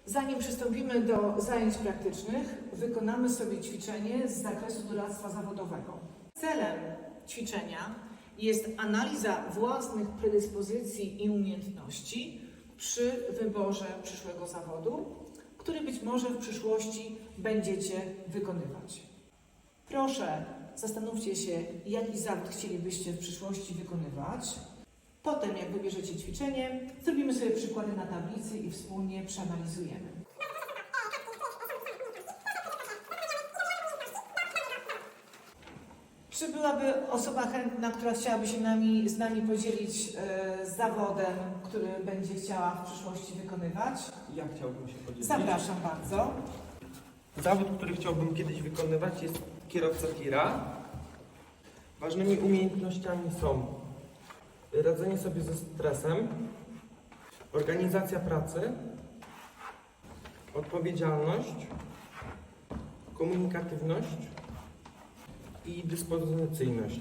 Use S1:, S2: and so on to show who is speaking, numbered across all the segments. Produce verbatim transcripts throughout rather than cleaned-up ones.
S1: Zanim przystąpimy do zajęć praktycznych, wykonamy sobie ćwiczenie z zakresu doradztwa zawodowego. Celem ćwiczenia jest analiza własnych predyspozycji i umiejętności przy wyborze przyszłego zawodu, który być może w przyszłości będziecie wykonywać. Proszę, zastanówcie się, jaki zawód chcielibyście w przyszłości wykonywać. Potem, jak wybierzecie ćwiczenie, zrobimy sobie przykłady na tablicy i wspólnie przeanalizujemy. Czy byłaby osoba chętna, która chciałaby się nami, z nami podzielić e, zawodem, który będzie chciała w przyszłości wykonywać?
S2: Ja chciałbym się podzielić.
S1: Zapraszam bardzo.
S2: Zawód, który chciałbym kiedyś wykonywać, jest kierowca tira. Ważnymi umiejętnościami są radzenie sobie ze stresem, organizacja pracy, odpowiedzialność, komunikatywność i dyspozycyjność.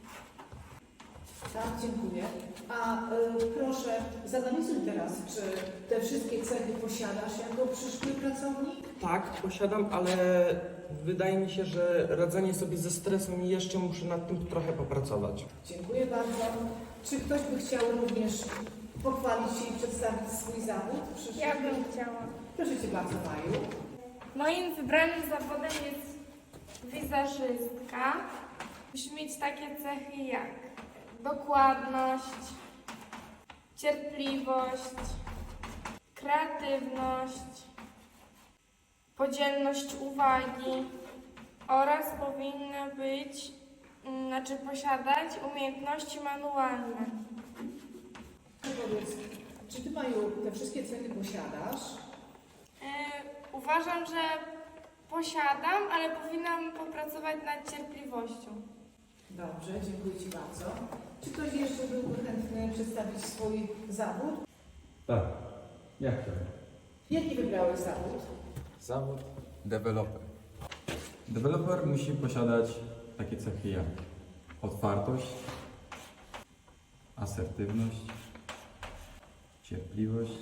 S1: Tak, dziękuję. A y, proszę, zanalizuj teraz, czy te wszystkie cechy posiadasz jako przyszły pracownik?
S2: Tak, posiadam, ale wydaje mi się, że radzenie sobie ze stresem jeszcze muszę nad tym trochę popracować.
S1: Dziękuję bardzo. Czy ktoś by chciał również pochwalić się i przedstawić swój zawód? Przyszły?
S3: Ja bym chciała.
S1: Proszę Cię bardzo, Maju.
S3: Moim wybranym zawodem jest wizerzystka. Musi mieć takie cechy jak dokładność, cierpliwość, kreatywność, podzielność uwagi oraz powinna być, mm, znaczy posiadać umiejętności manualne.
S1: Powiedz, czy Ty, Maju, te wszystkie cechy posiadasz?
S3: Yy, uważam, że posiadam, ale powinnam popracować nad cierpliwością.
S1: Dobrze, dziękuję Ci bardzo. Czy ktoś jeszcze byłby chętny przedstawić swój zawód?
S4: Tak, ja chciałem.
S1: Jaki wybrałeś zawód?
S4: Zawód deweloper. Deweloper musi posiadać takie cechy jak otwartość, asertywność, cierpliwość,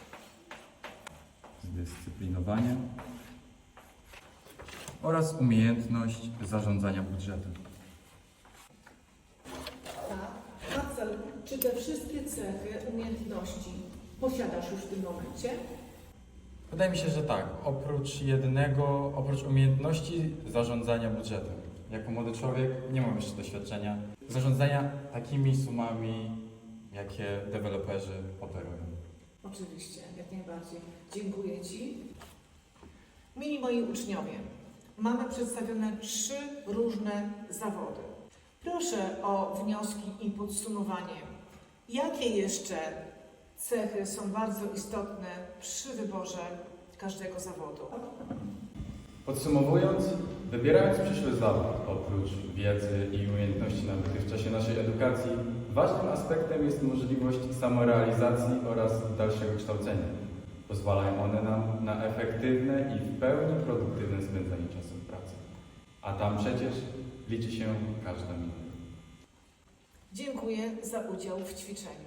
S4: zdyscyplinowanie oraz umiejętność zarządzania budżetem.
S1: Tak. Marcel, czy te wszystkie cechy, umiejętności posiadasz już w tym momencie?
S4: Wydaje mi się, że tak. Oprócz jednego, oprócz umiejętności zarządzania budżetem. Jako młody człowiek nie mam jeszcze doświadczenia zarządzania takimi sumami, jakie deweloperzy operują.
S1: Oczywiście, jak najbardziej. Dziękuję Ci. Mili moi uczniowie, mamy przedstawione trzy różne zawody. Proszę o wnioski i podsumowanie. Jakie jeszcze cechy są bardzo istotne przy wyborze każdego zawodu?
S4: Podsumowując, wybierając przyszły zawód, oprócz wiedzy i umiejętności nabytych w czasie naszej edukacji, ważnym aspektem jest możliwość samorealizacji oraz dalszego kształcenia. Pozwalają one nam na efektywne i w pełni produktywne spędzanie czasu w pracy. A tam przecież liczy się każda minuta.
S1: Dziękuję za udział w ćwiczeniu.